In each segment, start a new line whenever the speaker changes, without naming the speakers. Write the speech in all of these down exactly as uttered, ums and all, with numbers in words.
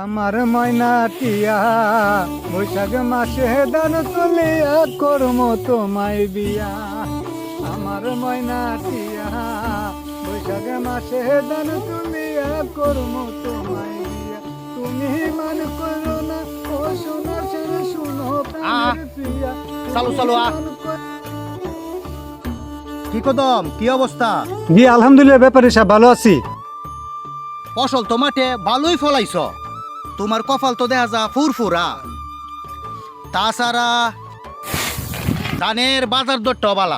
আমার ময়না টিয়া বৈশাখ মাসে দান তুলিয়া করম তোমায় বিয়া। আমার ময়না টিয়া বৈশাখ মাসে দান তুলিয়া করম তোমায় বিয়া। তুমি মান করো না ও সোনা ছেড়ে শুনো প্রাণের প্রিয়া।
চালু চালু আ কি কদম কি অবস্থা?
জি আলহামদুলিল্লাহ ব্যাপারে সব ভালো আছি।
ফসল তো মাঠে ভালোই ফলাইছ, তোমার কপাল তো দেখা যা ফুরফুরা। তাছাড়া ধানের বাজার দরটা বালা।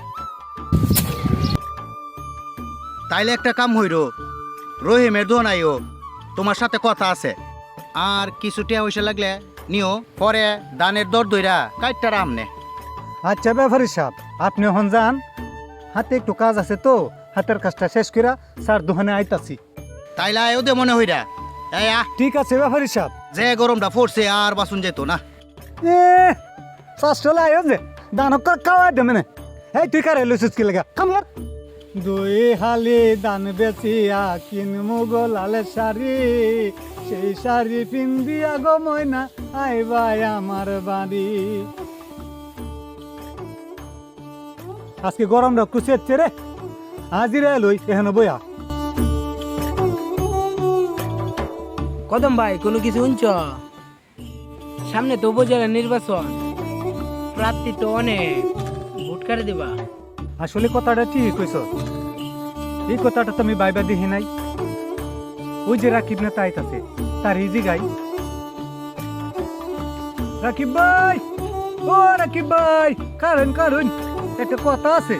তাইলে একটা কাম হইল, রহিমের দোনাইও তোমার সাথে কথা আছে। আর কিছু টিয়া পয়সা লাগলে নিও, পরে ধানের দর দইরা কাইটটা আমনে।
আচ্ছা ব্যাপারে সাহেব আপনি হন যান, হাতে একটু কাজ আছে তো হাতের কাজটা শেষ করে স্যার দোকানে আইতাছি।
তাইলে আয়ও দে মনে হইরা। এই আ
ঠিক আছে ব্যাপারে সাহেব।
যে গরমটা পড়ছে আর বাসুন যেত না।
এ চাষলে আয়ো যে দানক খাওয়াই দে মানে। এই তুই কারে লইছিস কি লাগা কাম কর। দুই হালি দান বেচিয়া কিনমু গোলালে শাড়ি, সেই শাড়ি পিন্দিয়া গো ময়না আইবাই আমার বাড়ি। আজকে গরমটা কুচেচ্ছে রে, হাজিরা লই এখানে বইয়া।
কদম ভাই কোনো কিছু শুনছ? সামনে তো উপজেলা নির্বাচন, প্রার্থী তো অনেক, ভোট কারে দিবা?
আসলে কথাটা ঠিক কইছ, এই কথাটা তো আমি বাইবা দেখি নাই। ওই যে রাকিব না তাইতাছে তার ইজি গাই। রাকিব ভাই, ও রাকিব ভাই, কারণ কারণ একটা কথা আছে।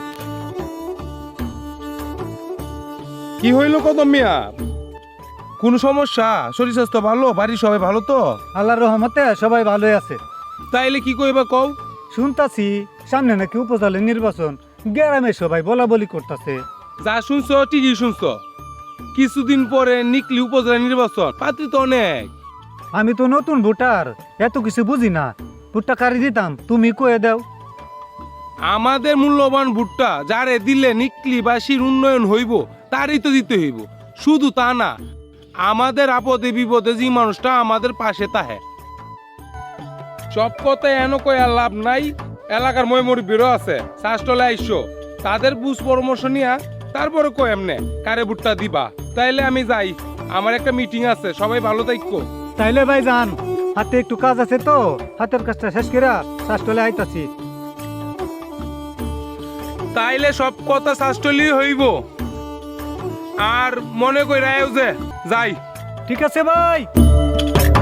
কি হইল কদম মিয়া? কোন সমস্যা? শরীর স্বাস্থ্য ভালো? বাড়ির সবাই ভালো তো?
আল্লাহর রহমতে সবাই ভালোই আছে।
তাইলে কি কইবা কও?
শুনতাছি সামনে নাকি উপজেলা নির্বাচন, গ্রামে সবাই বলা বলি করতেছে।
যা শুনছো ঠিকই শুনছো, কিছুদিন পরে নিকলি উপজেলা নির্বাচন, পাত্রী তো অনেক।
আমি তো নতুন ভোটার, এত কিছু বুঝি না। ভোটটা কারি দিতাম তুমি কয়ে দাও।
আমাদের মূল্যবান ভোটটা যারে দিলে নিকলিবাসীর উন্নয়ন হইব তারই তো দিতে হইব। শুধু তা না, আমাদের আপদে বিপদে যে মানুষটা আমাদের পাশে তাহে। সব কথায় এন কয়ে আর লাভ নাই। এলাকার ময়মরি বেরো আছে, শাসটলে আইসো, তাদের বুঝ পরামর্শ নিয়া তারপরে কয় এমনে কারে ভোটটা দিবা। তাইলে আমি যাই, আমার একটা মিটিং আছে, সবাই ভালো থাকো।
তাইলে ভাই যান, হাতে একটু কাজ আছে তো হাতের কাজটা শেষ করে শাসটলে আইতাছি।
তাইলে সব কথা শাসটলি হইব, আর মনে কই রায়ও যে যাই।
ঠিক আছে ভাই।